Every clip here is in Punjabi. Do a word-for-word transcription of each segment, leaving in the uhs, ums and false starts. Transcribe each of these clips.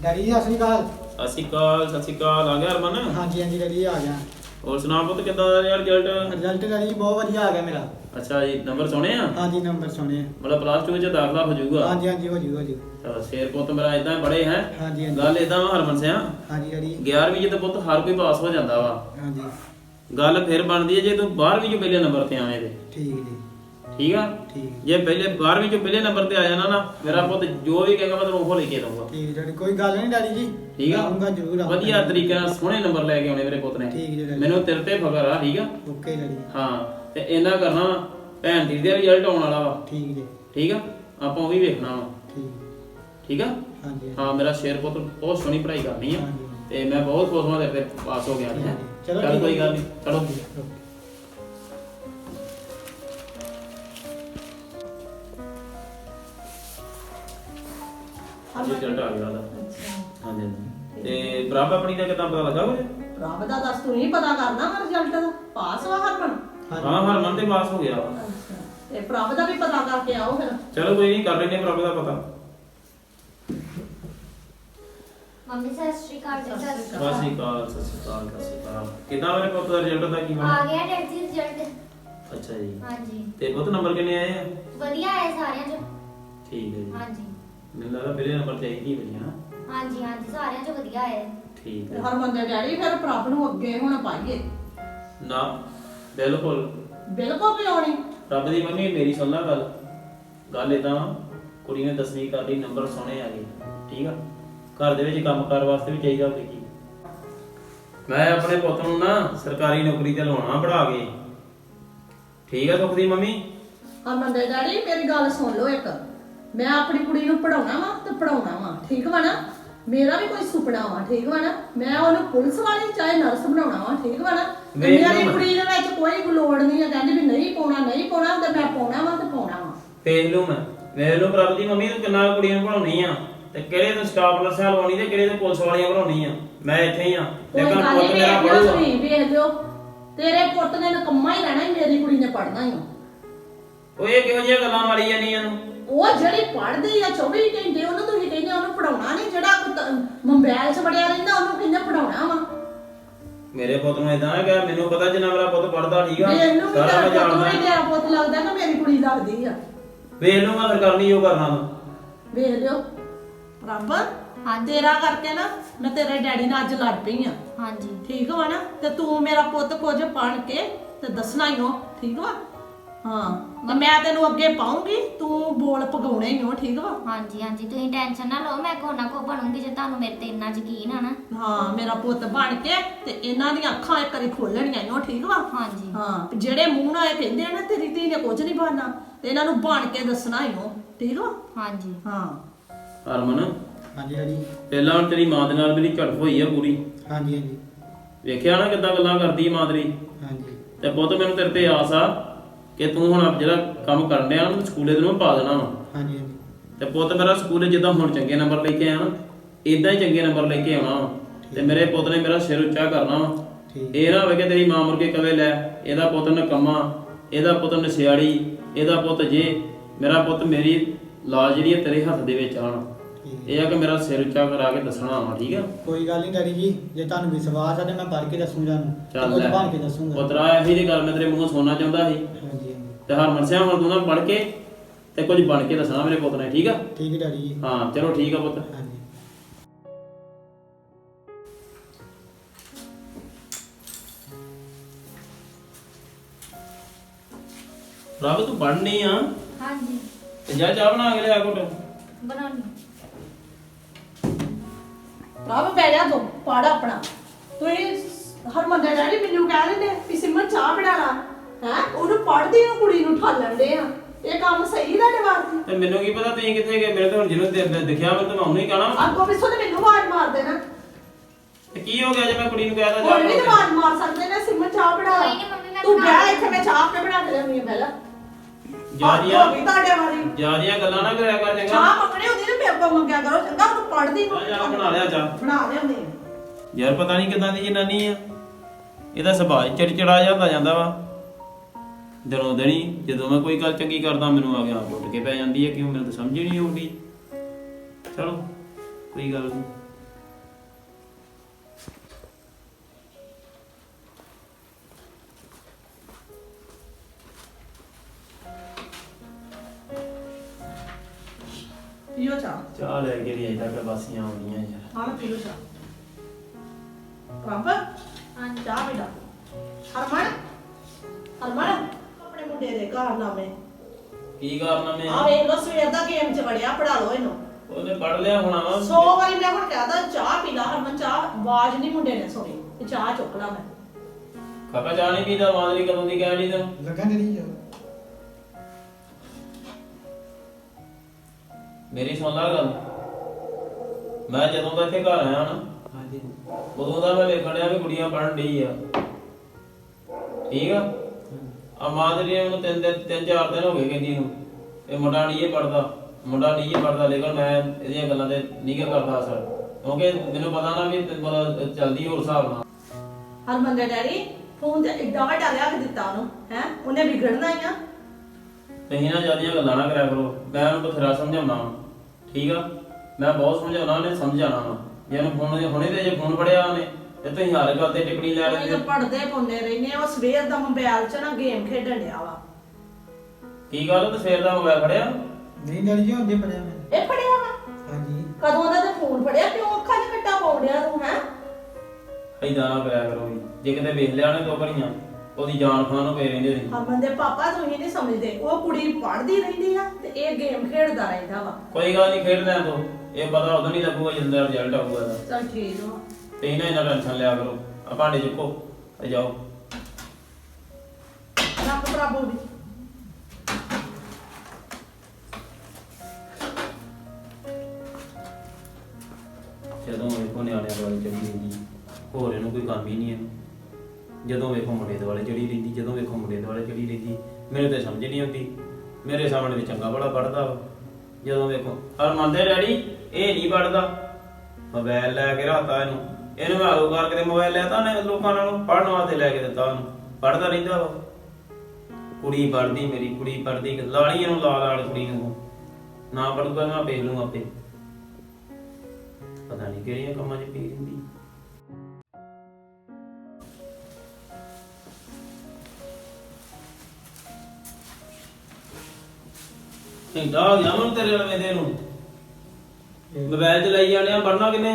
ਡੈਡੀ ਜੀ ਸਤਿ ਸ਼੍ਰੀ ਅਕਾਲ। ਸਤਿ ਸ਼੍ਰੀ ਅਕਾਲ ਸਤਿ ਸ਼੍ਰੀ ਅਕਾਲ। ਆ ਗਿਆ ਹਰਮਨ? ਹਾਂਜੀ ਹਾਂਜੀ ਡੈਡੀ ਜੀ ਆ ਗਿਆ। ਹੋਰ ਸੁਣਾ ਪੁੱਤ ਕਿੱਦਾਂ ਦਾ ਯਾਰ ਰਿਜ਼ਲਟ? ਰਿਜ਼ਲਟ ਡੈਡੀ ਜੀ ਬਹੁਤ ਵਧੀਆ ਆ ਗਿਆ ਮੇਰਾ। ਅੱਛਾ ਜੀ, ਨੰਬਰ ਸੋਹਣੇ ਆ? ਹਾਂਜੀ ਨੰਬਰ ਸੋਹਣੇ ਆ। ਮਤਲਬ ਪਲੱਸ ਟੂ ਵਿੱਚ ਦਾਖਲਾ ਹੋ ਜਾਊਗਾ? ਹਾਂਜੀ ਹਾਂਜੀ ਹੋ ਜੂ ਹੋ ਜੂ। ਚਲ ਸ਼ੇਰ ਪੁੱਤ ਮੇਰਾ ਇਦਾਂ ਬੜੇ ਹੈ। ਹਾਂਜੀ ਹਾਂਜੀ ਗੱਲ ਇਦਾਂ ਵਾ ਹਰਮਨ ਸਿਆ, ਹਾਂਜੀ ਡੈਡੀ ਗਿਆਰਵੀਂ ਚ ਤਾਂ ਪੁੱਤ ਹਰ ਕੋਈ ਪਾਸ ਹੋ ਜਾਂਦਾ ਵਾ। ਹਾਂਜੀ ਗੱਲ ਫਿਰ ਬਣਦੀ ਹੈ ਜੇ ਤੂੰ ਬਾਰਵੀਂ ਚ ਪਹਿਲੇ ਨੰਬਰ ਤੇ ਆਵੇਂ ਤੇ। ਠੀਕ ਜੀ ਠੀਕ ਆ? ਠੀਕ ਜੇ ਪਹਿਲੇ ਬਾਰਵੀਂ ਚ ਪਹਿਲੇ ਨੰਬਰ ਤੇ ਆ ਜਾਣਾ ਨਾ, ਮੇਰਾ ਪੁੱਤ ਜੋ ਵੀ ਕਹੇਗਾ ਮੈਂ ਤੈਨੂੰ ਉਹ ਲੈ ਕੇ ਦਊਂਗਾ। ਠੀਕ ਡੈਡੀ ਕੋਈ ਗੱਲ ਨਹੀਂ ਡੈਡੀ ਜੀ। ਠੀਕ ਆ? ਆਉਂਗਾ ਜ਼ਰੂਰ ਆਊਂਗਾ। ਵਧੀਆ ਤਰੀਕੇ ਨਾਲ ਸੋਹਣੇ ਨੰਬਰ ਲੈ ਕੇ ਆਉਣੇ ਮੇਰੇ ਪੁੱਤ ਨੇ। ਠੀਕ ਜੀ ਡੈਡੀ। ਮੈਨੂੰ ਤੇਰੇ ਤੇ ਫਖਰ ਆ। ਠੀਕ ਆ? Okay daddy. ਹਾਂ ਤੇ ਇੰਨਾ ਕਰਨਾ ਵਾ, ਭੈਣ ਦੀ ਦਾ ਰਿਜ਼ਲਟ ਆਉਣ ਵਾਲਾ ਵਾ। ਠੀਕ ਜੀ ਠੀਕ ਆ? ਆਪਾਂ ਉਹ ਵੀ ਵੇਖਣਾ ਵਾ। ਠੀਕ ਠੀਕ ਆ? ਹਾਂਜੀ ਹਾਂ ਮੇਰਾ ਸ਼ੇਰ ਪੁੱਤ ਬਹੁਤ ਸੋਹਣੀ ਪੜ੍ਹਾਈ ਕਰਨੀ ਆ ਹਾਂਜੀ। ਤੇ ਮੈਂ ਬਹੁਤ ਖੁਸ਼ ਹਾਂ ਤੇਰੇ ਤੇ ਪਾਸ ਹੋ ਗਿਆ ਹੈ। ਚਲੋ ਚੱਲ ਕੋਈ ਗੱਲ ਨਹੀਂ, ਚਲੋ। ਓਕੇ। ਅੱਜ ਰਿਜ਼ਲਟ ਆ ਗਿਆ ਉਹਦਾ। ਹਾਂਜੀ ਹਾਂਜੀ। ਤੇ ਬਰਾਬਰ ਆਪਣੀ ਦਾ ਕਿੱਦਾਂ ਪਤਾ ਲੱਗਾ ਕੁਝ? ਰੱਬ ਦਾ ਦੱਸ ਤੂੰ ਹੀ ਪਤਾ ਕਰਨਾ ਵਾ ਰਿਜ਼ਲਟ ਦਾ। ਪਾਸ ਵਾ ਹਰਮਨ? ਹਾਂ ਹਰਮਨ ਤੇ ਪਾਸ ਹੋ ਗਿਆ ਵਾ। ਤੇ ਪ੍ਰਭ ਦਾ ਵੀ ਪਤਾ ਕਰਕੇ ਆਓ ਫਿਰ। ਚਲੋ ਕੋਈ ਨਹੀਂ, ਕਰ ਲੈਣੇ ਬਰਾਬਰ ਦਾ ਪਤਾ। ਮੰਮੀ ਸਤਿ ਸ਼੍ਰੀ ਅਕਾਲ। ਸਤਿ ਸ਼੍ਰੀ ਸਤਿ ਸ਼੍ਰੀ ਅਕਾਲ ਸਤਿ ਸ਼੍ਰੀ ਅਕਾਲ ਸਤਿ ਸ਼੍ਰੀ ਅਕਾਲ। ਕਿੱਦਾਂ ਮੇਰੇ ਪੁੱਤ ਦਾ ਰਿਜ਼ਲਟ ਦਾ ਕੀ ਆ ਬਣਿਆ? ਗਿਆ ਡੈਡੀ ਜੀ ਰਿਜ਼ਲਟ। ਅੱਛਾ ਜੀ। ਹਾਂਜੀ ਤੇ ਪੁੱਤ ਨੰਬਰ ਕਿੰਨੇ ਆਏ ਆ? ਵਧੀਆ ਆਏ ਸਾਰਿਆਂ ਚੋਂ। ਠੀਕ ਹੈ ਜੀ। ਹਾਂਜੀ ਮੈਨੂੰ ਲੱਗਦਾ ਪਹਿਲੇ ਨੰਬਰ ਤੇ ਆਈ ਨਹੀਂ ਬਣੀ ਨਾ। ਹਾਂਜੀ ਹਾਂਜੀ ਸਾਰਿਆਂ ਚੋਂ ਵਧੀਆ ਆਏ। ਠੀਕ ਤੇ ਹੈ। ਹਰਮਨ ਦੇ ਡੈਡੀ ਫਿਰ ਪ੍ਰਭ ਨੂੰ ਅੱਗੇ ਹੁਣ ਪਾਈਏ। ਨਾ ਬਿਲਕੁਲ। ਬਿਲਕੁਲ ਵੀ ਆਉਣੀ। ਰੱਬ ਦੀ ਮੰਮੀ ਮੇਰੀ ਸੁਣ ਲੈ ਗੱਲ। ਗੱਲ ਇਦਾਂ ਕੁੜੀ ਨੇ ਦਸਵੀਂ ਕਰ ਲਈ, ਨੰਬਰ ਸੋਹਣੇ ਆ ਗਏ। ਠੀਕ ਆ? ਘਰ ਦੇ ਵਿੱਚ ਕੰਮਕਾਰ ਵਾਸਤੇ ਵੀ ਚਾਹੀਦਾ ਹੋਵੇ ਕੀ। ਮੈਂ ਆਪਣੇ ਪੁੱਤ ਨੂੰ ਨਾ ਸਰਕਾਰੀ ਨੌਕਰੀ ਤੇ ਲਵਾਉਣਾ ਪੜਾ ਕੇ। ਠੀਕ ਆ ਸੁਖ ਦੀ ਮੰਮੀ? ਹਰਮਨ ਦੇ ਡੈਡੀ ਮੇਰੀ ਗੱਲ ਸੁਣ ਲਓ ਇੱਕ। ਮੈਂ ਆਪਣੀ ਕੁੜੀ ਨੂੰ ਪੜਾਉਣਾ ਵਾ ਤੇ ਪੜਾਉਣਾ ਵਾ। ਠੀਕ ਵਾ ਨਾ? ਮੇਰਾ ਵੀ ਕੋਈ ਸੁਪਨਾ ਵਾ। ਠੀਕ ਵਾ ਨਾ? ਮੈਂ ਉਹਨੂੰ ਪੁਲਿਸ ਵਾਲੀ ਚਾਹੇ ਨਰਸ ਬਣਾਉਣਾ ਵਾ। ਠੀਕ ਵਾ ਨਾ? ਤੇ ਵੇਖ ਲਓ ਮੇਰੀ ਮੈਂ। ਕੁੜੀ ਦੇ ਵਿੱਚ ਕੋਈ ਲੋੜ ਨਹੀਂ ਹੈ ਕਹਿੰਦੀ ਵੀ ਨਹੀਂ ਪਾਉਣਾ ਨਹੀਂ ਪਾਉਣਾ ਤੇ ਮੈਂ ਪਾਉਣਾ ਵਾ ਤੇ ਪਾਉਣਾ ਵਾ। ਵੇਖ ਲੂ ਮੈਂ ਵੇਖ ਲੂ ਰੱਬ ਦੀ ਮੰਮੀ ਤੂੰ ਕਿੰਨਾ ਕੁੜੀਆਂ ਨੂੰ ਪੜਾਉਣੀ ਆ ਤੇ ਕਿਹੜੇ ਤੋਂ ਸਟਾਫ ਨਰਸਾਂ ਲਵਾਉਣੀ ਤੇ ਕਿਹੜੇ ਤੋਂ ਪੁਲਿਸ ਵਾਲੀਆਂ ਬਣਾਉਣੀ ਆ। ਮੈਂ ਇੱਥੇ ਹੀ ਆ। ਕੋਈ ਲੇਕਿਨ ਗੱਲ ਪੁੱਤ ਨਹੀਂ ਮੇਰਾ ਵੇਖ ਲਿਓ ਪੜੂਗਾ। ਤੁਸੀਂ ਵੇਖ ਲਿਓ। ਤੇਰੇ ਪੁੱਤ ਨੇ ਨਕੰਮਾ ਹੀ ਰਹਿਣਾ ਹੀ ਮੇਰੀ ਕੁੜੀ ਨੇ ਪੜਨਾ ਹੀ ਆ। ਉਹ ਇਹ ਕਿਹੋ ਜਿਹੀਆਂ ਗੱਲਾਂ ਮਾਰੀ ਜਾਂਦੀਆਂ ਨੂੰ? ਉਹ ਜਿਹੜੀ ਪੜ੍ਹਦੀ ਆ ਚੌਵੀ ਘੰਟੇ ਉਹਨੂੰ ਤੁਸੀਂ ਕਹਿੰਦੇ ਉਹਨੂੰ ਪੜਾਉਣਾ ਨਹੀਂ। ਜਿਹੜਾ ਮੋਬਾਈਲ 'ਚ ਵੜਿਆ ਰਹਿੰਦਾ ਉਹਨੂੰ ਕਹਿੰਦੇ ਪੜਾਉਣਾ ਵਾ। ਮੇਰੇ ਪੁੱਤ ਨੂੰ ਇਦਾਂ ਨਾ ਕਹਿ। ਮੈਨੂੰ ਪਤਾ ਜਿੰਨਾ ਮੇਰਾ ਪੁੱਤ ਪੜਦਾ। ਠੀਕ ਆ? ਮੈਨੂੰ ਵੀ ਸਾਰਾ ਮੈਂ ਤੇਰਾ ਪੁੱਤ ਜਾਣਦਾ। ਵੀ ਤੇਰਾ ਪੁੱਤ ਲੱਗਦਾ ਕਿ ਮੇਰੀ ਕੁੜੀ ਲੱਗਦੀ ਆ। ਵੇਖ ਲੂੰਗਾ ਫਿਰ ਕਰਨੀ ਉਹ ਕਰਨਾ ਵਾ। ਵੇਖ ਲਿਓ ਰੱਬ ਹਾਂਜੀ ਤੇਰਾ ਕਰਕੇ ਨਾ ਮੈਂ ਤੇਰੇ ਡੈਡੀ ਨਾਲ ਅੱਜ ਲੜ ਪਈ ਆ। ਹਾਂਜੀ ਠੀਕ ਵਾ ਨਾ? ਤੇ ਤੂੰ ਮੇਰਾ ਪੁੱਤ ਕੁਝ ਪੜ ਕੇ ਤੇ ਦੱਸਣਾ ਹੀ ਹੋ। ਠੀਕ ਵਾ? ਹਾਂ ਤੇ ਮੈਂ ਤੈਨੂੰ ਅੱਗੇ ਪਾਉਂਗੀ। ਤੂੰ ਬੋਲ ਪਗਾਉਣੇ ਹੀ ਹੋ। ਠੀਕ ਵਾ? ਹਾਂਜੀ ਹਾਂਜੀ ਤੁਸੀਂ ਟੈਨਸ਼ਨ ਨਾ ਲਓ। ਮੈਂ ਕੋ ਨਾ ਕੋ ਬਣੂੰਗੀ ਜੇ ਤੁਹਾਨੂੰ ਮੇਰੇ ਤੇ ਇੰਨਾ ਯਕੀਨ ਆ ਨਾ। ਹਾਂ ਮੇਰਾ ਪੁੱਤ ਬਣ ਕੇ ਤੇ ਇਹਨਾਂ ਦੀਆਂ ਅੱਖਾਂ ਇੱਕ ਵਾਰੀ ਖੋਲਣੀਆਂ ਹੋ। ਠੀਕ ਵਾ? ਹਾਂਜੀ ਹਾਂ ਜਿਹੜੇ ਮੂੰਹ ਨਾਲ ਇਹ ਕਹਿੰਦੇ ਆ ਨਾ ਤੇਰੀ ਧੀ ਨੇ ਕੁਝ ਨਹੀਂ ਬਣਨਾ ਤੇ ਇਹਨਾਂ ਨੂੰ ਬਣ ਕੇ ਦੱਸਣਾ ਹੀ ਹੋ। ਠੀਕ ਵਾ? ਹਾਂਜੀ ਹਾਂ ਹਰਮਨ ਹਾਂਜੀ ਡੈਡੀ। ਪਹਿਲਾਂ ਹੁਣ ਤੇਰੀ ਮਾਂ ਦੇ ਨਾਲ ਮੇਰੀ ਝੜਪ ਹੋਈ ਆ ਪੂਰੀ। ਹਾਂਜੀ ਹਾਂਜੀ ਵੇਖਿਆ ਨਾ ਕਿੱਦਾਂ ਗੱਲਾਂ ਕਰਦੀ ਆ ਮਾਂ ਤੇਰੀ। ਹਾਂਜੀ ਤੇ ਪੁੱਤ ਮੈਨੂੰ ਤੇਰੇ ਤੇ ਆਸ ਆ ਕਿ ਤੂੰ ਹੁਣ ਜਿਹੜਾ ਕੰਮ ਕਰਨ ਡਿਆ ਨਾ ਸਕੂਲੇ ਤੈਨੂੰ ਪਾ ਦੇਣਾ ਵਾ। ਹਾਂਜੀ ਹਾਂਜੀ ਤੇ ਪੁੱਤ ਮੇਰਾ ਸਕੂਲੇ ਜਿੱਦਾਂ ਹੁਣ ਚੰਗੇ ਨੰਬਰ ਲੈ ਕੇ ਆਇਆ ਨਾ ਇਦਾਂ ਹੀ ਚੰਗੇ ਨੰਬਰ ਲੈ ਕੇ ਆਉਣਾ ਵਾ। ਤੇ ਮੇਰੇ ਪੁੱਤ ਨੇ ਮੇਰਾ ਸਿਰ ਉੱਚਾ ਕਰਨਾ ਵਾ। ਠੀਕ। ਇਹ ਨਾ ਹੋਵੇ ਕਿ ਤੇਰੀ ਮਾਂ ਮੁੜ ਕੇ ਕਵੇ ਲੈ ਇਹਦਾ ਪੁੱਤ ਨਕੰਮਾ, ਇਹਦਾ ਪੁੱਤ ਨਸਿਆੜੀ, ਇਹਦਾ ਪੁੱਤ ਜੇ। ਮੇਰਾ ਪੁੱਤ ਮੇਰੀ ਲਾਜ ਜਿਹੜੀ ਹੈ ਤੇਰੇ ਹੱਥ ਦੇ ਵਿੱਚ ਆਣ। ਠੀਕ। ਇਹ ਆ ਕਿ ਮੇਰਾ ਸਿਰ ਉੱਚਾ ਕਰਾ ਕੇ ਦੱਸਣਾ ਵਾ। ਠੀਕ ਆ? ਕੋਈ ਗੱਲ ਨਹੀਂ ਡੈਡੀ ਜੀ। ਜੇ ਤੁਹਾਨੂੰ ਵਿਸ਼ਵਾਸ ਆ ਤੇ ਮੈਂ ਪੜ੍ਹ ਕੇ ਦੱਸੂਗਾ ਤੁਹਾਨੂੰ। ਚੱਲ ਕੁਝ ਲੈ ਬਣ ਕੇ ਦੱਸੂਗਾ। ਪੁੱਤਰਾ ਇਹੀ ਦੀ ਗੱਲ ਮੈਂ ਤੇਰੇ ਮੂੰਹੋਂ ਸੁਣਨਾ ਚਾਹੁੰਦਾ ਸੀ। ਹਾਂਜੀ ਹਾਂਜੀ ਤੇ ਹਰਮਨ ਸਿਆ ਹੁਣ ਤੂੰ ਨਾ ਪੜ੍ਹ ਕੇ ਤੇ ਕੁਝ ਬਣ ਕੇ ਦੱਸਣਾ ਮੇਰੇ ਪੁੱਤ ਨੇ। ਠੀਕ ਆ? ਠੀਕ ਹੈ ਡੈਡੀ ਜੀ। ਹਾਂ ਚਲੋ ਠੀਕ ਆ ਪੁੱਤ। ਹਾਂਜੀ ਰੱਬ ਤੂੰ ਪੜ੍ਹਨੀ ਆ ਹਾਂਜੀ ਤੇ ਜਾ ਚਾਹ ਬਣਾ ਕੇ ਲਿਆ ਘੁੱਟ। ਬਣਾਉਣੀ। ਰੱਬ ਬਹਿ ਜਾ ਤੂੰ ਪੜ ਆਪਣਾ। ਤੁਸੀਂ ਹਰਮਨ ਦੇ ਡੈਡੀ ਮੈਨੂੰ ਕਹਿ ਰਹੇ ਨੇ ਵੀ ਸਿਮਰਨ ਚਾਹ ਬਣਾ ਲਾ। ਹੈ ਉਹਨੂੰ ਪੜਦੀ ਨੂੰ ਕੁੜੀ ਨੂੰ ਠਾਲਣ ਦੇ ਆ। ਇਹ ਕੰਮ ਸਹੀ ਦਾ ਜਵਾਬ ਤੇ ਮੈਨੂੰ ਕੀ ਪਤਾ ਤੁਸੀਂ ਕਿੱਥੇ ਗਏ? ਮੇਰੇ ਤਾਂ ਹੁਣ ਜਿਹਨੂੰ ਦੇ- ਦਿਖਿਆ ਮੈਂ ਤਾਂ ਉਹਨੂੰ ਹੀ ਕਹਿਣਾ। ਅੱਗੋਂ ਪਿੱਛੋਂ ਤੇ ਮੈਨੂੰ ਆਵਾਜ਼ ਮਾਰ ਦੇਣਾ। ਤੇ ਕੀ ਹੋ ਗਿਆ ਜੇ ਮੈਂ ਕੁੜੀ ਨੂੰ ਕਹਿ ਤਾ ਹੁਣ ਵੀ ਤਾਂ ਆਵਾਜ਼ ਮਾਰ ਸਕਦੇ ਨੇ ਸਿਮਰਨ ਚਾਹ ਬਣਾ ਕੋਈ ਨੀ ਮੰਮੀ, ਲਾ। ਮੈਂ ਤੂੰ ਬਣਾ ਬਹਿ ਇੱਥੇ ਮੈਂ ਚਾਹ ਕੇ ਬਣਾ ਕੇ ਲਿਆਉਣੀ ਆ ਪਹਿਲਾਂ। ਜਿਆਦੀਆਂ ਹੋ ਗਈ ਤੁਹਾਡੇ ਵਾਲੀ ਜਿਆਦੀਆਂ ਗੱਲਾਂ ਨਾ ਕਰਿਆ ਕਰ ਚੰਗਾ। ਚਾਹ ਮੰਗਣੀ ਹੁੰਦੀ ਨਾ ਮੇਰੇ ਕੋਲ ਮੰਗਿਆ ਕਰੋ ਚੰਗਾ। ਤੂੰ ਪੜਦੀ ਆ ਜਾ ਬਣਾ ਲਿਆ ਚਾਹ। ਬਣਾ ਲਿਆਉਂਦੇ ਆ। ਯਾਰ ਪਤਾ ਨਹੀਂ ਕਿਦਾਂ ਦੀ ਜਨਾਨੀ ਆ। ਇਹਦਾ ਸੁਭਾਅ ਚਿੜਚਿੜਾ ਜਾਂਦਾ ਜਾਂਦਾ ਵਾ। ਦਿਨੋਂ ਦਿਨੀ ਜਦੋਂ ਮੈਂ ਕੋਈ ਗੱਲ ਚੰਗੀ ਕਰਦਾ ਮੈਨੂੰ ਆ ਗਿਆ ਆਪ ਉੱਠ ਕੇ ਪੈ ਜਾਂਦੀ ਹੈ। ਕਿਉਂ ਮੈਨੂੰ ਤਾਂ ਸਮਝ ਹੀ ਨਹੀਂ ਆਉਂਦੀ। ਚਲੋ ਕੋਈ ਗੱਲ ਨਹੀਂ। ਪੀਓ ਚਾਹ। ਚਾਹ ਲੈ ਕੇ ਨਹੀਂ ਅਜੇ ਤੱਕ ਬਾਸੀਆਂ ਆਉਂਦੀਆਂ ਯਾਰ। ਹਾਂ ਪੀਓ ਚਾਹ। ਪੰਪ ਹਾਂਜੀ ਚਾਹ ਪੀਲਾ। ਹਰਮਨ ਹਰਮਨ ਆਪਣੇ ਮੁੰਡੇ ਦੇ ਘਰ ਨਾਮੇ ਕੀ ਕਾਰਨਾਮੇ ਆ ਵੇਖ ਲੋ ਸਵੇਰ ਦਾ ਗੇਮ ਚ ਵੜਿਆ, ਪੜਾ ਲੋ ਇਹਨੂੰ। ਉਹਨੇ ਪੜ ਲਿਆ ਹੋਣਾ ਵਾ। ਸੌ ਵਾਰੀ ਮੈਂ ਹੁਣ ਕਹਦਾ ਚਾਹ ਪੀ ਲਾ ਹਰਮਨ, ਚਾਹ ਆਵਾਜ਼ ਨਹੀਂ ਮੁੰਡੇ ਨੇ ਸੁਣੀ ਤੇ ਚਾਹ ਚੁੱਕ ਲਾ ਮੈਂ। ਕਾਕਾ ਚਾਹ ਨਹੀਂ ਪੀਦਾ, ਮਾਦਰੀ ਕਦੋਂ ਦੀ ਕਹਿ ਰਹੀ ਤੈਨੂੰ। ਲੱਗਾ ਨਹੀਂ ਜਾ ਮੇਰੀ ਸੁਣ ਲਾ ਗੱਲ, ਮੈਂ ਜਦੋਂ ਦਾ ਇੱਥੇ ਘਰ ਆਇਆ ਨਾ ਹਾਂਜੀ ਉਦੋਂ ਦਾ ਮੈਂ ਵੇਖਣ ਡਿਆ ਵੀ ਕੁੜੀਆਂ ਪੜਨ ਡਈ ਆ, ਠੀਕ ਆ। ਆ ਮਾਦਰੀ ਨੇ ਉਹਨੂੰ ਤਿੰਨ ਦਿਨ ਤਿੰਨ ਚਾਰ ਦਿਨ ਹੋ ਗਏ ਕਹਿੰਦੀ ਨੂੰ ਇਹ ਮੁੰਡਾ ਨਹੀਂ ਇਹ ਪੜਦਾ, ਮੁੰਡਾ ਨਹੀਂ ਇਹ ਪੜਦਾ, ਲੇਕਿਨ ਮੈਂ ਇਹਦੀਆਂ ਗੱਲਾਂ ਤੇ ਨਹੀਂ ਗਾ ਕਰਦਾ ਅਸਰ, ਕਿਉਂਕਿ ਮੈਨੂੰ ਪਤਾ ਨਾ ਵੀ ਮਤਲਬ ਚੱਲਦੀ ਹੋਰ ਹਿਸਾਬ ਨਾਲ। ਹਰਮਨ ਦੇ ਡੈਡੀ ਫੋਨ ਤੇ ਏਡਾ ਵੱਡਾ ਲਿਆ ਕੇ ਦਿੱਤਾ ਉਹਨੂੰ, ਹੈ ਉਹਨੇ ਵਿਗੜਨਾ ਹੀ ਆ। ਤੁਸੀਂ ਨਾ ਜਿਆਦੀਆਂ ਗੱਲਾਂ ਨਾ ਕਰਿਆ ਕਰੋ, ਮੈਂ ਉਹਨੂੰ ਬਥੇਰਾ ਸਮਝਾਉਣਾ ਵਾ, ਠੀਕ ਆ। ਮੈਂ ਬਹੁਤ ਸਮਝਾਉਣਾ, ਉਹਨੇ ਸਮਝ ਜਾਣਾ ਵਾ। ਜੇ ਉਹਨੂੰ ਫੋਨ ਹੁਣੇ ਤੇ ਜੇ ਫੋਨ ਫੜਿਆ ਉਹਨੇ ਤੇ ਤੁਸੀਂ ਹਰ ਗੱਲ ਤੇ ਟਿੱਪਣੀ ਲੈ ਲੈਂਦੇ। ਪੜਦੇ ਪੁੰਨੇ ਰਹਿੰਦੇ, ਉਹ ਸਵੇਰ ਦਾ ਮੋਬਾਈਲ 'ਚ ਨਾ ਗੇਮ ਖੇਡਣ ਡਿਆ ਵਾ। ਕੀ ਗੱਲ ਤੂੰ ਸਵੇਰ ਦਾ ਮੋਬਾਈਲ ਫੜਿਆ? ਨਹੀਂ ਡੈਡੀ ਜੀ ਹੁੰਦੇ ਪੜਿਆ ਮੈਂ। ਇਹ ਫੜਿਆ ਵਾ ਹਾਂਜੀ ਕਦੋਂ ਦਾ ਤੇ ਫੋਨ ਫੜਿਆ, ਕਿਉਂ ਅੱਖਾਂ 'ਚ ਕੱਟਾ ਪਾਉਣ ਡਿਆ ਤੂੰ ਹੈ? ਏਦਾਂ ਨਾ ਕਰਿਆ ਕਰੋ ਵੀ, ਜੇ ਕਿਤੇ ਵੇਖ ਲਿਆ ਉਹਨੇ ਦੋ ਘੜੀਆਂ ਉਹਦੀ ਜਾਨ ਖਾਣ ਨੂੰ ਪਏ ਰਹਿੰਦੇ ਨੇ। ਹਰਮਨ ਦੇ ਪਾਪਾ ਤੁਸੀਂ ਨਹੀਂ ਸਮਝਦੇ, ਉਹ ਕੁੜੀ ਪੜ੍ਹਦੀ ਰਹਿੰਦੀ ਆ ਤੇ ਇਹ ਗੇਮ ਖੇਡਦਾ ਰਹਿੰਦਾ ਵਾ। ਕੋਈ ਗੱਲ ਨਹੀਂ, ਖੇਡ ਲੈਣ ਦੋ, ਇਹ ਪਤਾ ਉਦੋਂ ਨਹੀਂ ਲੱਗੂਗਾ ਜਦੋਂ ਰਿਜ਼ਲਟ ਆਊਗਾ ਇਹਦਾ। ਚਲ ਠੀਕ ਵਾ। ਤੇ ਨਾ ਇਹਨਾਂ ਟੈਨਸ਼ਨ ਲਿਆ ਕਰੋ, ਆ ਭਾਂਡੇ ਚੁੱਕੋ ਤੇ ਜਾਓ। ਰੱਖ ਪ੍ਰਭੂ ਦੀ ਜਦੋਂ ਵੇਖੋ ਨਿਆਣਿਆਂ ਦੁਆਲੇ ਚੜੀ ਰਹਿੰਦੀ, ਹੋਰ ਇਹਨੂੰ ਕੋਈ ਕੰਮ ਹੀ ਨਹੀਂ ਇਹਨੂੰ। ਜਦੋਂ ਵੇਖੋ ਮੁੰਡੇ ਦੁਆਲੇ ਚੜੀ ਰਹਿੰਦੀ, ਜਦੋਂ ਵੇਖੋ ਮੁੰਡੇ ਦੁਆਲੇ ਚੜੀ ਰਹਿੰਦੀ, ਮੈਨੂੰ ਤੇ ਸਮਝ ਨਹੀਂ ਆਉਂਦੀ। ਮੇਰੇ ਸਾਹਮਣੇ ਤੇ ਚੰਗਾ ਬੜਾ ਪੜਦਾ ਵਾ, ਜਦੋਂ ਵੇਖੋ ਹਰ ਮੰਨਦੇ ਡੈਡੀ ਇਹ ਨਹੀਂ ਪੜਦਾ। ਮੋਬਾਈਲ ਲੈ ਕੇ ਰਾਤਾ ਇਹਨੂੰ, ਇਹਨੂੰ ਮੈਂ ਆਲੋ ਕਰਕੇ ਤੇ ਮੋਬਾਈਲ ਲੈਤਾ ਉਹਨੇ ਲੋਕਾਂ ਨਾਲੋਂ ਪੜਨ ਵਾਸਤੇ ਲੈ ਕੇ ਦਿੱਤਾ ਉਹਨੂੰ, ਪੜਦਾ ਰਹਿੰਦਾ ਵਾ। ਕੁੜੀ ਪੜਦੀ, ਮੇਰੀ ਕੁੜੀ ਪੜਦੀ, ਲਾਲੀ ਇਹਨੂੰ ਲਾ ਲਾਲ ਕੁੜੀ ਨੂੰ, ਨਾ ਪੜੂਗਾ ਮੈਂ ਵੇਖ ਲੂੰ ਆਪੇ। ਪਤਾ ਨਹੀਂ ਕਿਹੜੀਆਂ ਕੰਮਾਂ 'ਚ ਪਈ ਰਹਿੰਦੀ। ਘੰਟਾ ਹੋ ਗਿਆ ਮੈਨੂੰ ਤੇਰੇ ਨਾਲ ਵੇਂਦੇ ਨੂੰ, ਮੋਬਾਈਲ ਚਲਾਈ ਜਾਂਦੇ ਆ, ਪੜਨਾ ਕਿੰਨੇ?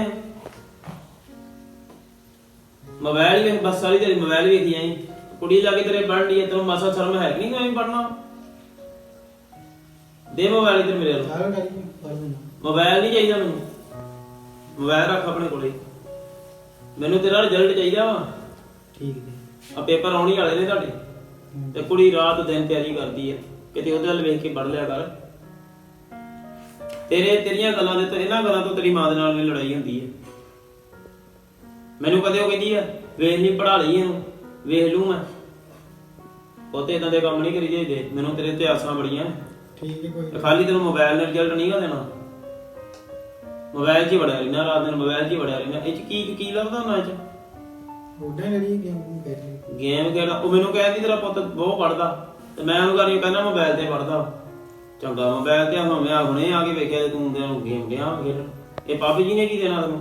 ਮੋਬਾਈਲ ਹੀ ਵੇਖ, ਬਸ ਸਾਰੀ ਤੇਰੀ ਮੋਬਾਈਲ ਵੇਖੀ ਆਈ। ਕੁੜੀ ਲਾ ਕੇ ਤੇਰੇ ਪੜ੍ਹਨ ਦੀ ਤੈਨੂੰ ਮਾਸਾ ਸ਼ਰਮ ਹੈ ਕਿ ਨਹੀਂ ਕੋਈ ਪੜਨਾ? ਦੇ ਮੋਬਾਈਲ ਇਧਰ ਮੇਰੇ ਨਾਲ। ਚਲੋ ਡੈਡੀ ਜੀ ਪੜ ਲੈਣਾ। ਮੋਬਾਈਲ ਨਹੀਂ ਚਾਹੀਦਾ ਮੈਨੂੰ, ਮੋਬਾਈਲ ਰੱਖ ਆਪਣੇ ਕੋਲੇ। ਮੈਨੂੰ ਤੇਰਾ ਰਿਜ਼ਲਟ ਚਾਹੀਦਾ ਵਾ। ਠੀਕ ਹੈ ਆ ਪੇਪਰ ਆਉਣੀ ਵਾਲੇ ਨੇ ਤੁਹਾਡੇ, ਤੇ ਕੁੜੀ ਰਾਤ ਦਿਨ ਤਿਆਰੀ ਕਰਦੀ ਹੈ, ਕਿਤੇ ਉਹਦੇ ਵੱਲ ਵੇਖ ਕੇ ਪੜ ਲਿਆ ਕਰ। ਤੇਰੇ ਤੇਰੀਆਂ ਗੱਲਾਂ ਦੇ ਤੋਂ, ਇਹਨਾਂ ਗੱਲਾਂ ਤੋਂ ਤੇਰੀ ਮਾਂ ਦੇ ਨਾਲ ਮੇਰੀ ਲੜਾਈ ਹੁੰਦੀ ਹੈ। ਮੈਨੂੰ ਕਦੇ ਉਹ ਕਹਿੰਦੀ ਆ ਵੇਖ ਨਹੀਂ ਪੜਾ ਲਈ ਇਹਨੂੰ, ਵੇਖ ਲੂ ਮੈਂ। ਉਹ ਤੇ ਇਦਾਂ ਦੇ ਕੰਮ ਨਹੀਂ ਕਰੀ ਜਾਈਦੇ। ਮੈਨੂੰ ਤੇਰੇ ਤੇ ਆਸਾਂ ਬੜੀਆਂ, ਠੀਕ ਹੈ ਕੋਈ ਖਾਲੀ ਤੈਨੂੰ ਮੋਬਾਈਲ ਨਾਲ ਰਿਜ਼ਲਟ ਨਹੀਂ ਗਾ ਦੇਣਾ। ਮੋਬਾਈਲ 'ਚ ਹੀ ਵੜਿਆ ਰਹਿਣਾ, ਰਾਤ ਦਿਨ ਮੋਬਾਈਲ 'ਚ ਹੀ ਵੜਿਆ ਰਹਿਣਾ। ਇਹ 'ਚ ਕੀ ਕੀ ਲੱਭਦਾ ਉਹਨਾਂ 'ਚ? ਉਹਦਾ ਜਿਹੜੀ ਗੇਮ ਖੇਡ ਲਈ ਗੇਮ ਖੇਡਦਾ। ਉਹ ਮੈਨੂੰ ਕਹਿੰਦੀ ਤੇਰਾ ਪੁੱਤ ਬਹੁਤ ਪੜਦਾ, ਤੇ ਮੈਂ ਉਹਨੂੰ ਕਰੀ ਕਹਿੰਦਾ ਮੋਬਾਈਲ ਤੇ ਪੜਦਾ। ਚੰਗਾ ਮੋਬਾਈਲ ਤੇ ਹੁਣ ਮੈਂ ਹੁਣੇ ਆ ਕੇ ਵੇਖਿਆ ਤੂੰ ਤੇ ਗੇਮ ਡਿਆ ਖੇਡ। ਇਹ ਪਾਪੀ ਜੀ ਨੇ ਕੀ ਦੇਣਾ ਤੈਨੂੰ?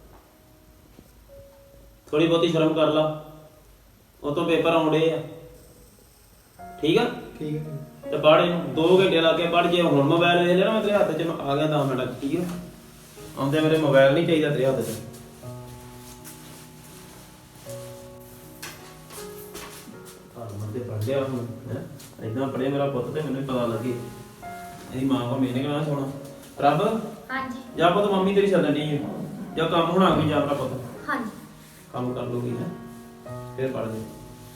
ਥੋੜੀ ਬਹੁਤੀ ਸ਼ਰਮ ਕਰ ਲਾ, ਉਹ ਤੋਂ ਪੇਪਰ ਆਉਂਦੇ ਆ, ਠੀਕ ਆ। ਠੀਕ ਹੈ ਤੇ ਪੜ੍ਹ ਇਹਨੂੰ, ਦੋ ਘੰਟੇ ਲਾ ਕੇ ਪੜ੍ਹ। ਜੇ ਹੁਣ ਮੋਬਾਈਲ ਵੇਖ ਲਿਆ ਨਾ ਮੈਂ ਤੇਰੇ ਹੱਥ 'ਚ ਆ ਗਿਆ ਦਸ ਮਿੰਟ, ਠੀਕ ਆ। ਆਉਂਦੇ ਮੇਰੇ ਮੋਬਾਈਲ ਨਹੀਂ ਚਾਹੀਦਾ ਤੇਰੇ ਹੱਥ 'ਚ। ਤੇ ਪੜ ਲਿਆ ਹੁਣ ਹੈ, ਇਦਾਂ ਪੜਿਆ ਮੇਰਾ ਪੁੱਤ ਤੇ ਮੈਨੂੰ ਪਤਾ ਲੱਗੇ। ਇਹਦੀ ਮਾਂ ਕੋ ਮੈਨੇ ਕਹਿਣਾ ਸੋਣਾ ਰੱਬ ਹਾਂਜੀ ਜਾਂ ਪੁੱਤ ਮੰਮੀ ਤੇਰੀ ਸੱਦਣ ਨਹੀਂ ਹੈ, ਜਾਂ ਕੰਮ ਹੋਣਾ ਕੋਈ ਜਾ ਮੇਰਾ ਪੁੱਤ ਹਾਂਜੀ ਕੰਮ ਕਰ ਲੂਗੀ ਹੈ, ਫਿਰ ਪੜ ਦੇ।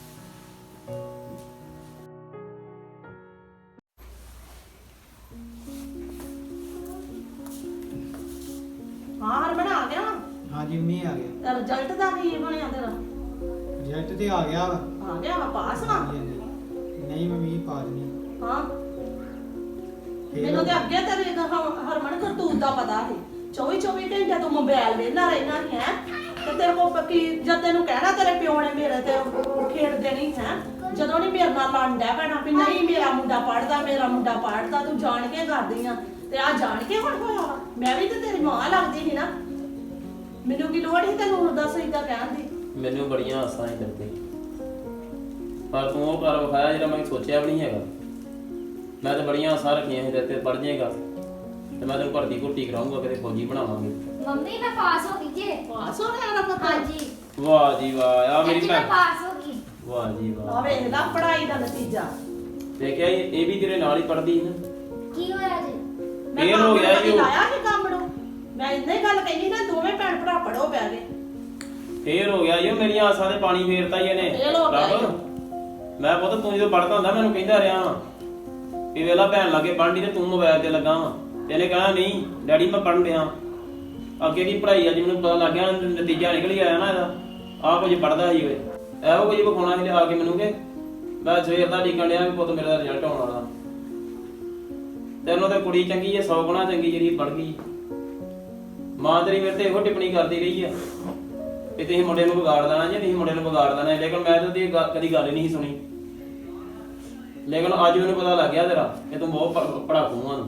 ਹਾਂ ਹਰਮਨ ਆ ਗਿਆ ਵਾ। ਹਾਂਜੀ ਮੀਂਹ ਆ ਗਿਆ। ਤੇ ਰਿਜ਼ਲਟ ਦਾ ਕੀ ਬਣਿਆ ਤੇਰਾ? ਰਿਜ਼ਲਟ ਤੇ ਆ ਗਿਆ ਵਾ। ਆ ਗਿਆ ਵਾ, ਪਾਸ ਵਾ। ਹਾਂਜੀ, ਹਾਂਜੀ। ਨਹੀਂ ਮੰਮੀ ਪਾਸ ਨਹੀਂ। ਹਾਂ ਫੇਰ ਮੈਨੂੰ ਤੇ ਅੱਗੇ ਤੇਰੇ ਹ- ਹਰਮਨ ਕਰਤੂਤ ਦਾ ਪਤਾ ਸੀ। ਚੌਵੀ ਚੌਵੀ ਘੰਟੇ ਤੂੰ ਮੋਬਾਈਲ ਵੇਖਦਾ ਰਹਿਣਾ ਨਹੀਂ ਹੈ, ਤੇ ਤੇਰੇ ਕੋ ਕੀ ਜਦ ਤੈਨੂੰ ਕਹਿਣਾ ਤੇਰੇ ਪਿਓ ਨੇ ਮੇਰੇ ਤੇ ਖੇਡਦੇ ਨਹੀਂ ਹੈ, ਜਦੋਂ ਨਹੀਂ ਮੇਰੇ ਨਾਲ ਲੜਦਾ ਪੈਣਾ ਵੀ ਨਹੀਂ ਮੇਰਾ ਮੁੰਡਾ ਪੜਦਾ, ਮੇਰਾ ਮੁੰਡਾ ਪੜਦਾ, ਤੂੰ ਜਾਣ ਕੇ ਕਰਦੀ ਆ। ਤੇ ਆ ਜਾਣ ਕੇ ਹੁਣ ਹੋਇਆ ਵਾ। ਮੈਂ ਵੀ ਤੇ ਤੇਰੀ ਮਾਂ ਲੱਗਦੀ ਸੀ ਨਾ, ਮੈਨੂੰ ਕੀ ਲੋੜ ਸੀ ਤੈਨੂੰ ਦੱਸ ਇਦਾਂ ਕਹਿਣ ਦੀ? ਮੈਨੂੰ ਬੜੀਆਂ ਆਸਾਂ ਹੀ ਕਰਦੇ, ਪਰ ਤੂੰ ਉਹ ਕਰ ਵਿਖਾਇਆ ਜਿਹੜਾ ਮੈਂ ਸੋਚਿਆ ਵੀ ਨਹੀਂ ਹੈਗਾ। ਮੈਂ ਤਾਂ ਬੜੀਆਂ ਆਸਾਂ ਰੱਖੀਆਂ ਸੀ ਤੇਰੇ ਤੇ ਪੜ ਜਾਏਗਾ, ਤੇ ਮੈਂ ਤੈਨੂੰ ਭਰਤੀ ਘੁੱਟੀ ਕਰਾਉਂਗਾ, ਕਿਤੇ ਫੌਜੀ ਬਣਾਵਾਂਗੇ। ਮੰਮੀ ਮੈਂ ਪਾਸ ਹੋ ਗਈ ਜੇ। ਪਾਸ ਹੋ ਗਿਆ ਨਾ ਪਤਾ ਹਾਂਜੀ ਵਾਹ ਜੀ ਵਾਹ, ਆ ਮੇਰੀ ਚਾਚੀ ਮੈਂ ਭੈਣ, ਪਾਸ ਹੋ ਗਈ। ਵਾਹ ਜੀ ਆ ਵਾਹ। ਵੇਖ ਲੈ ਪੜਾਈ ਦਾ ਨਤੀਜਾ। ਦੇਖਿਆ ਇਹ ਇਹ ਵੀ ਤੇਰੇ ਨਾਲ ਹੀ ਪੜਦੀ ਨਾ। ਕੀ ਹੋਇਆ ਜੀ? ਮੈਂ ਫੇਰ ਹੋ ਗਿਆ ਜੀ ਉਹ। ਲਾਇਆ ਸੀ ਕੰਮ ਨੂੰ। ਮੈਂ ਇੰਨੇ ਗੱਲ ਕਹਿੰਦੀ ਨਾ ਦੋਵੇਂ ਭੈਣ ਭਰਾ ਪੜੋ ਬਹਿ ਗਏ। ਫੇਰ ਹੋ ਗਿਆ ਈ, ਉਹ ਮੇਰੀਆਂ ਆਸਾਂ ਤੇ ਪਾਣੀ ਫੇਰਤਾ ਹੀ ਇਹਨੇ। ਫੇਲ ਹੋ ਗਿਆ ਈ। ਮੈਂ ਪੁੱਤ ਤੂੰ ਜਦੋਂ ਪੜਦਾ ਹੁੰਦਾ ਮੈਨੂੰ ਕਹਿੰਦਾ ਰਿਹਾ ਵਾਂ ਵੀ ਵੇਲਾ ਭੈਣ ਲਾਗੇ ਪੜ੍ਹਨੀ ਤੇ ਤੂੰ ਮੋਬਾਈਲ ਤੇ ਲੱਗਾ ਵਾਂ। ਇਹਨੇ ਕਹਿਣਾ ਨਹੀਂ ਡੈਡੀ ਮੈਂ ਪੜ੍ਹਨ ਡਿਆ। ਅੱਗੇ ਦੀ ਪੜ੍ਹਾਈ ਅੱਜ ਮੈਨੂੰ ਪਤਾ ਲੱਗ ਗਿਆ, ਨਤੀਜਾ ਨਿਕਲ ਹੀ ਆਇਆ ਨਾ ਇਹਦਾ। ਆਹ ਕੁਝ ਪੜਦਾ ਸੀ ਓਏ, ਇਹੋ ਕੁਝ ਵਿਖਾਉਣਾ ਸੀ ਲਿਆ ਕੇ ਮੈਨੂੰ ਕਿ ਮੈਂ ਸਵੇਰ ਦਾ ਡੀਕਣ ਡਿਆ ਵੀ ਪੁੱਤ ਮੇਰਾ ਰਿਜ਼ਲਟ ਆਉਣ ਵਾਲਾ। ਤੈਨੂੰ ਤਾਂ ਕੁੜੀ ਚੰਗੀ ਐ, ਸੌ ਗੁਣਾ ਚੰਗੀ ਜਿਹੜੀ ਪੜ੍ਹ ਗਈ। ਮਾਂ ਤੇਰੀ ਮੇਰੇ ਤੇ ਇਹੋ ਟਿੱਪਣੀ ਕਰਦੀ ਰਹੀ ਆ ਕਿ ਤੁਸੀਂ ਮੁੰਡੇ ਨੂੰ ਵਿਗਾੜ ਦੇਣਾ ਜੇ ਤੁਸੀਂ ਮੁੰਡੇ ਨੂੰ ਵਿਗਾੜ ਦੇਣਾ, ਲੇਕਿਨ ਮੈਂ ਤਾਂ ਉਹਦੀ ਗ- ਕਦੀ ਗੱਲ ਹੀ ਨਹੀਂ ਸੁਣੀ। ਲੇਕਿਨ ਅੱਜ ਮੈਨੂੰ ਪਤਾ ਲੱਗ ਗਿਆ ਤੇਰਾ ਕਿ ਤੂੰ ਬਹੁਤ ਪ- ਪੜ੍ਹਾਕੂ ਆ।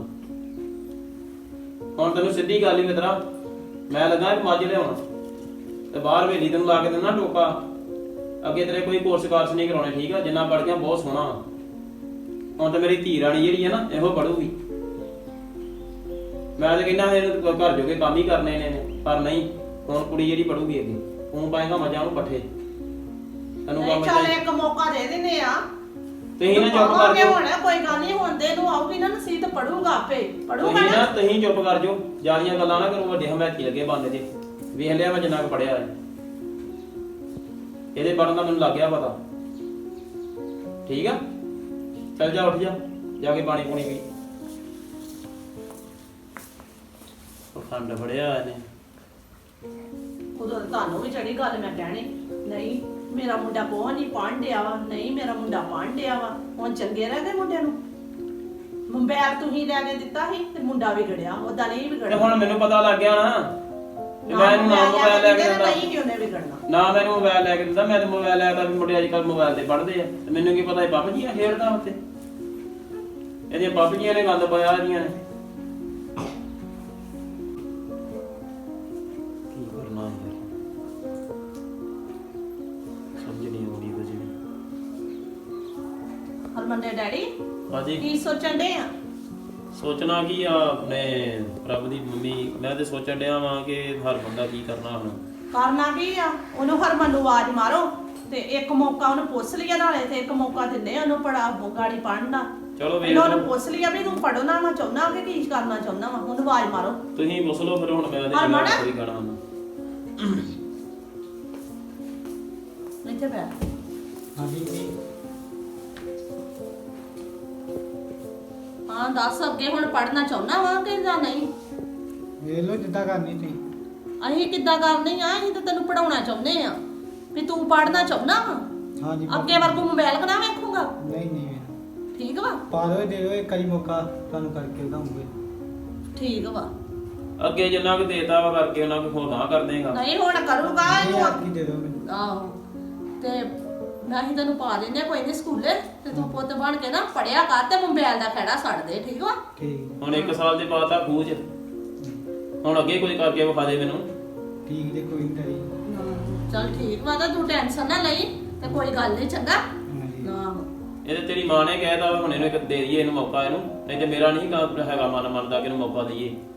ਹੁਣ ਤੈਨੂੰ ਸਿੱਧੀ ਗੱਲ ਹੀ ਮਿੱਤਰਾ, ਮੈਂ ਲੱਗਾ ਇੱਕ ਮੱਝ ਲਿਆਉਣ ਤੇ ਬਾਹਰ ਵੇਲੀ ਤੈਨੂੰ ਲਾ ਕੇ ਦੇਣਾ ਟੋਕਾ। ਅੱਗੇ ਤੇਰੇ ਕੋਈ ਕੋਰਸ ਕਾਰਸ ਨਹੀਂ ਕਰਾਉਣੇ, ਠੀਕ ਆ? ਜਿੰਨਾ ਪੜ੍ਹ ਗਿਆ ਬਹੁਤ ਸੋਹਣਾ ਵਾ। ਹੁਣ ਤਾਂ ਮੇਰੀ ਧੀ ਰਾਣੀ ਜਿਹੜੀ ਹੈ ਨਾ ਇਹੋ ਪੜੂਗੀ। ਮੈਂ ਤਾਂ ਕਹਿੰਦਾ ਇਹਨੂੰ ਘਰ ਜੋਗੇ ਕੰਮ ਹੀ ਕਰਨੇ ਨੇ, ਪਰ ਨਹੀਂ, ਹੁਣ ਕੁੜੀ ਜਿਹੜੀ ਪੜੂਗੀ ਅੱਗੇ। ਤੂੰ ਪਾਏਗਾ ਮਜ਼ਾਂ ਨੂੰ ਪੱਠੇ, ਤੈਨੂੰ ਨਹੀਂ ਕੰਮ ਚੱਲ ਚਾਹੀਦਾ। ਇੱਕ ਮੌਕਾ ਦੇ ਦਿੰਨੇ ਆ। ਤੁਸੀਂ ਨਾ ਚੁੱਪ ਕਰ ਪਾਵਾਂਗੇ ਜਾਓ, ਹੁਣ ਕੋਈ ਗੱਲ ਨਹੀਂ, ਹੁਣ ਦੇ ਨੂੰ ਆਊਗੀ ਨਾ ਨਸੀਹਤ ਪੜੂਗਾ ਆਪੇ ਪੜੂਗਾ ਤੁਸੀਂ ਨਾ ਨਾ। ਤੁਸੀਂ ਚੁੱਪ ਕਰ ਜਾਓ, ਜਿਆਦੀਆਂ ਗੱਲਾਂ ਨਾ ਕਰੋ, ਵੱਡੇ ਹਮੈਤੀ ਲੱਗੇ ਬੰਦੇ ਤੇ। ਵੇਖ ਲਿਆ ਮੈਂ ਜਿੰਨਾ ਕੁ ਪੜਿਆ ਹੈ, ਇਹਦੇ ਪੜਨ ਦਾ ਮੈਨੂੰ ਲੱਗ ਗਿਆ ਪਤਾ, ਠੀਕ ਆ? ਚੱਲ ਜਾ, ਉੱਠ ਜਾ, ਜਾ ਕੇ ਪਾਣੀ ਪੂਣੀ ਪੀ। ਪਖੰਡ ਫੜਿਆ ਇਹਨੇ। ਉਦੋਂ ਤਾਂ ਤੁਹਾਨੂੰ ਵੀ ਚੜੀ ਗੱਲ ਮੈਂ ਕਹਿਣੀ, ਨਹੀਂ ਮੇਰਾ ਮੁੰਡਾ ਬਹੁਤ ਨਹੀਂ ਪੜ੍ਹਨ ਡਿਆ ਵਾ, ਨਹੀਂ ਮੇਰਾ ਮੁੰਡਾ ਪੜ੍ਹਨ ਡਿਆ ਵਾ। ਹੁਣ ਚੰਗੇ ਰਹਿ ਗਏ ਮੁੰਡੇ ਨੂੰ। ਮੋਬਾਈਲ ਤੁਸੀਂ ਲੈ ਕੇ ਦਿੱਤਾ ਸੀ ਤੇ ਮੁੰਡਾ ਵਿਗੜਿਆ, ਉਹਦਾ ਨਹੀਂ ਤੇ ਵਿਗੜਿਆ। ਹੁਣ ਮੈਨੂੰ ਪਤਾ ਲੱਗ ਗਿਆ ਨਾ ਤੇ ਮੈਂ ਇਹਨੂੰ ਨਾ ਮੋਬਾਈਲ ਲੈ ਕੇ ਦਿੰਦਾ, ਨਹੀਂ ਕਿ ਉਹਨੇ ਵਿਗੜਨਾ। ਨਾ ਮੈਨੂੰ ਮੋਬਾਈਲ ਲੈ ਕੇ ਦਿੰਦਾ। ਮੈਂ ਤੇ ਮੋਬਾਈਲ ਲੈ ਕੇ ਵੀ ਮੁੰਡੇ ਅੱਜ ਕੱਲ ਮੋਬਾਈਲ ਤੇ ਪੜ੍ਹਦੇ ਆ, ਤੇ ਮੈਨੂੰ ਕੀ ਪਤਾ ਇਹ ਬੱਬ ਜੀਆਂ ਖੇਡਦਾ ਉੱਥੇ। ਇਹਦੀਆਂ ਬੱਬ ਜੀਆਂ ਨੇ ਗੰਦ ਪਾਇਆ ਇਹਦੀਆਂ ਨੇ। ਕੀ ਕਰਨਾ ਯਾਰ, ਸਮਝ ਨਹੀਂ ਆਉਂਦੀ ਕੁਝ ਵੀ। ਹਰਮਨ ਦੇ ਡੈਡੀ ਹਾਂਜੀ, ਕੀ ਸੋਚਣ ਡੇ ਆ? ਸੋਚਣਾ ਕੀ ਆ, ਆਪਣੇ ਪ੍ਰਭ ਦੀ ਮੰਮੀ। ਮੈਂ ਤੇ ਸੋਚਣ ਡਿਆ ਵਾਂ ਕਿ ਹਰ ਬੰਦਾ ਕੀ ਕਰਨਾ ਹੁਣ। ਕਰਨਾ ਕੀ ਆ? ਉਹਨੂੰ ਹਰਮਨ ਨੂੰ ਆਵਾਜ਼ ਮਾਰੋ ਤੇ ਇੱਕ ਮੌਕਾ ਉਹਨੂੰ ਪੁੱਛ ਲਿਆ, ਨਾਲੇ ਤੇ ਇੱਕ ਮੌਕਾ ਦਿੰਦੇ ਉਹਨੂੰ ਪੜਾ ਗਾੜੀ ਪੜ੍ਹਨ ਦਾ। ਚਲੋ ਵੇਖ ਇਹਨਾਂ ਨੂੰ ਲਓ, ਪੁੱਛ ਲਿਆ ਵੀ ਤੂੰ ਪੜਨਾ ਨਾ ਚਾਹੁੰਦਾ ਕਿ ਕੀ ਕਰਨਾ ਚਾਹੁੰਦਾ ਵਾ, ਉਹਨੂੰ ਆਵਾਜ਼ ਮਾਰੋ। ਤੁਸੀਂ ਪੁੱਛ ਲਓ ਫਿਰ। ਹੁਣ ਮੈਂ ਉਹਦੇ ਹਰਮਨ? ਨਾਲ ਕੋਈ ਗਾਣਾ ਹੁਣ। ਇੱਥੇ ਬੈ ਹਾਂਜੀ ਜੀ, ਹਾਂ ਦੱਸ, ਅੱਗੇ ਹੁਣ ਪੜਨਾ ਚਾਹੁੰਦਾ ਵਾ ਕਿ ਜਾਂ ਨਹੀਂ? ਵੇਖ ਲਓ ਜਿੱਦਾਂ ਕਰਨੀ ਤੁਸੀਂ। ਅਸੀਂ ਕਿੱਦਾਂ ਕਰਨੀ ਆ? ਅਸੀਂ ਤਾਂ ਤੈਨੂੰ ਪੜਾਉਣਾ ਚਾਹੁੰਦੇ ਆ ਵੀ ਤੂੰ ਪੜਨਾ ਚਾਹੁੰਦਾ ਵਾ। ਹਾਂਜੀ ਅੱਗੇ ਵਰਗੂ ਮੋਬਾਈਲ ਕਨਾ ਵੇਖੂਗਾ? ਨਹੀਂ ਨਹੀਂ ਵੇਖ, ਠੀਕ ਵਾ, ਪਾ ਦਿਓ, ਦੇ ਦਿਓ ਇੱਕ ਵਾਰੀ ਮੌਕਾ, ਤੁਹਾਨੂੰ ਕਰਕੇ ਦਿਖਾਉਂਗੇ। ਠੀਕ ਵਾ। ਅੱਗੇ ਜਿੰਨਾ ਕੁ ਦੇਤਾ ਵਾ ਕਰਕੇ ਉਹਨਾਂ ਨੂੰ ਹੋਰ ਨਾ ਕਰ ਦੇਗਾ। ਨਹੀਂ ਹੁਣ ਕਰੂਗਾ ਇਹ ਇਹਨੂੰ। ਆਪ ਹੀ ਦੇ ਦਿਓ ਮੈਨੂੰ। ਆਹੋ ਤੇ ਮੈਂ ਹੀ ਤੈਨੂੰ ਪਾ ਦਿੰਦੇ ਕੋਈ ਨਹੀਂ ਸਕੂਲੇ, ਤੇ ਤੂੰ ਪੁੱਤ ਬਣ ਕੇ ਨਾ ਪੜਿਆ ਕਰ ਤੇ ਮੋਬਾਈਲ ਦਾ ਖੜਾ ਛੱਡ ਦੇ, ਠੀਕ ਵਾ? ਠੀਕ ਹੁਣ ਇੱਕ ਸਾਲ ਦੇ ਬਾਅਦ ਤਾਂ ਖੂਜ, ਹੁਣ ਅੱਗੇ ਕੋਈ ਕਰਕੇ ਵਿਖਾ ਦੇ ਮੈਨੂੰ। ਠੀਕ ਜੇ, ਕੋਈ ਨਹੀਂ ਡਰੀ। ਚਲ ਠੀਕ ਵਾ, ਤਾਂ ਤੂੰ ਟੈਨਸ਼ਨ ਨਾ ਲਈ ਤੇ ਕੋਈ ਗੱਲ ਨਹੀਂ, ਚੰਗਾ? ਹਾਂਜੀ ਆਹੋ ਇਹਦੇ ਤੇਰੀ ਮਾਂ ਨੇ ਕਹਿਤਾ ਹੁਣ ਇਹਨੂੰ ਇੱਕ ਦੇ ਦਈਏ ਇਹਨੂੰ ਮੌਕਾ ਇਹਨੂੰ, ਨਹੀਂ ਤੇ ਮੇਰਾ ਨਹੀਂ ਗਾ- ਹੈਗਾ ਮਨ ਮੰਨਦਾ ਕਿ ਇਹਨੂੰ ਮੌਕਾ ਦਈਏ।